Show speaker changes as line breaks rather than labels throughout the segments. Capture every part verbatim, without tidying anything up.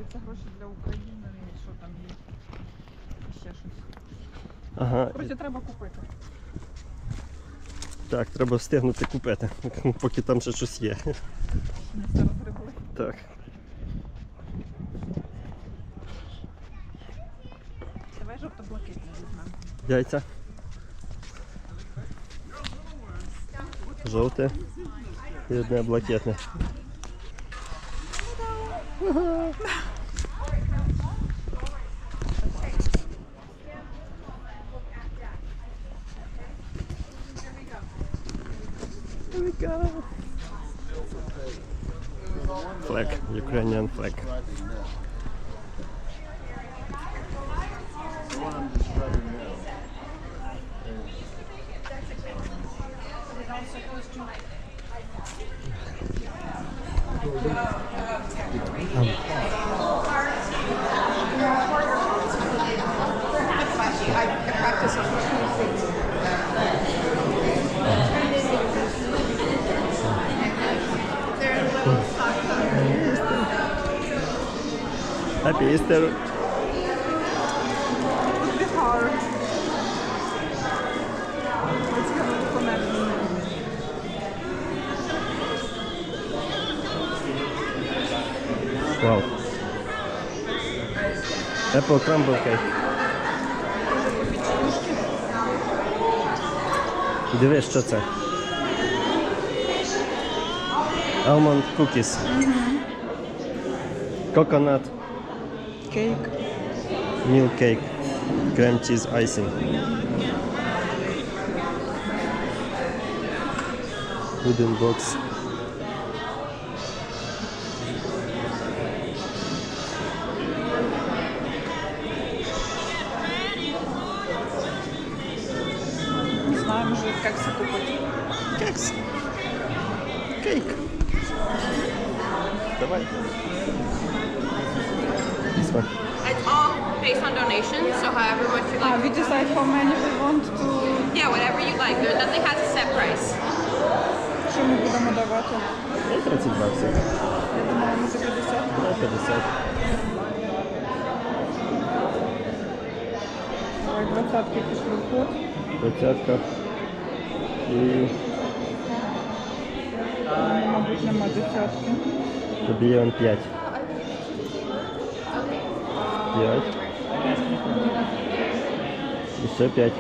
збираються гроші для України і що там є. І ще щось.
Ага.
Коротше, треба купити.
Так, треба встигнути купити, поки там ще щось є.
Не все розгребли.
Так.
Давай жовто-блакитне візьмемо.
Яйця. Жовте і одне блакитне. Here we go. Flag, Ukrainian flag. Happy Easter.
Be hard. Let's have a look on that.
Wow. Apple crumble cake. Дивись, що це? Almond cookies. Coconut
Кейк.
milk cake. Cream cheese icing. Wooden box.
Не знаю, може кекси купити.
Кекс. Кейк. Давай. This one.
It's all based on donations, so however much you
Ah,
like.
we decide how many we want to...
Yeah, whatever you like. There, nothing has a set price.
Що ми будемо давати?
І тридцять баксів.
Я думаю, може п'ятдесят.
На п'ятдесят.
Давай двадцятки пішли в ход.
Двадцятка. І
Мабуть, нема десятки.
тобі є он п'ять. П'ять. І ще п'ять.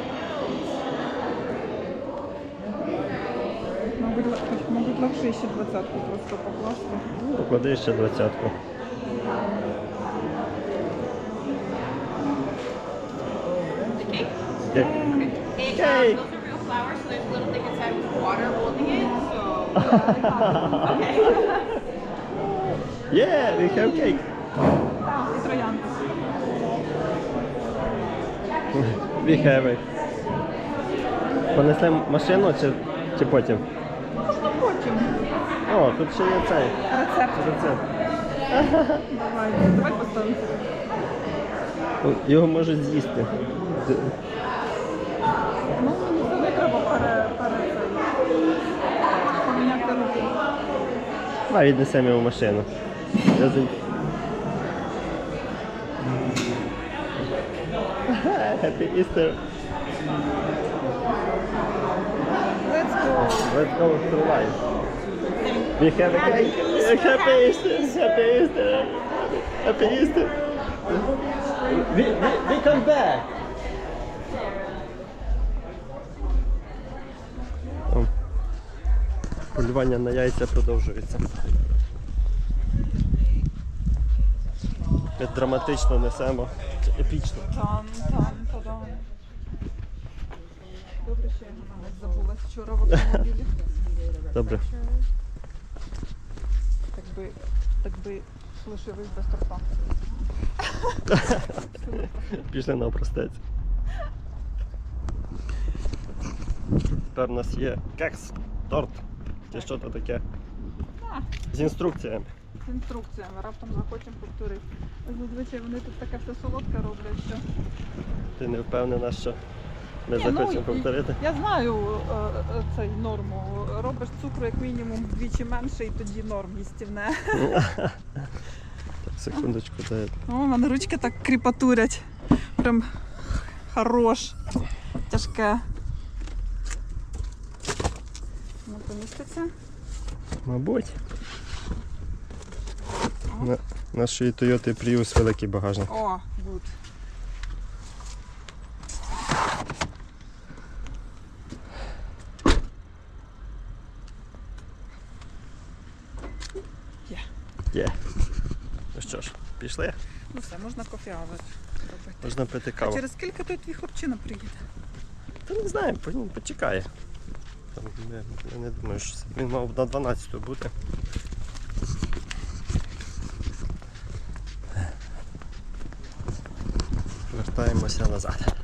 Мабуть, л- мабуть, легше ще двадцятку просто покласти.
Ну, поклади ще двадцятку.
The cake?
Окей.
Cake,
Cake.
um, those are real flowers, so there's a little thing inside with water holding it, so... Okay.
Yeah, we have cake.
Так, і троянди.
We have it. Понесемо машину чи, чи потім?
Можна потім.
О, тут ще є цей
Рецепт.
рецепт.
Давай, давай поставимо.
Ну, його можуть з'їсти. Д-
Ну, мені це не треба пере, пере цей. Поміняти руки.
Давай віднесемо його в машину. Я за- Happy Easter.
Let's go.
Let's go through life. We have a cake. Happy Easter. Happy Easter. Happy Easter. We, we, we come back. О, полювання на яйця продовжується. Ми драматично несемо. Епічно.
Там, там, та-дам. Добре, що я навіть забулась вчора в автомобілі.
Добре.
Так би, так би лишились без торта.
Пішли на простець. Тепер у нас є кекс, торт. Чи що то таке? З інструкціями.
З інструкціями, раптом захочемо повторити. Зазвичай вони тут таке все солодке роблять, що...
Ти не впевнена, що ми
Ні, ну,
захочемо
і-
повторити?
Я знаю е, е, цей норму. Робиш цукру як мінімум вдвічі менше і тоді норм їстівне.
Секундочку, дай.
О, в мене ручки так кріпатурять. Прям хорош. Тяжке. Не поміститься.
Мабуть. На нашої Toyota Prius великий багажник.
О, гуд. Є.
Є. Ну що ж, пішли?
Ну все, можна кофеавер робити.
Можна пити
А
каву.
через скільки той твій хлопчина приїде?
Та не знаю, по- почекає. Там, я, я не думаю, що він мав на дванадцяту бути. Вертаємося назад.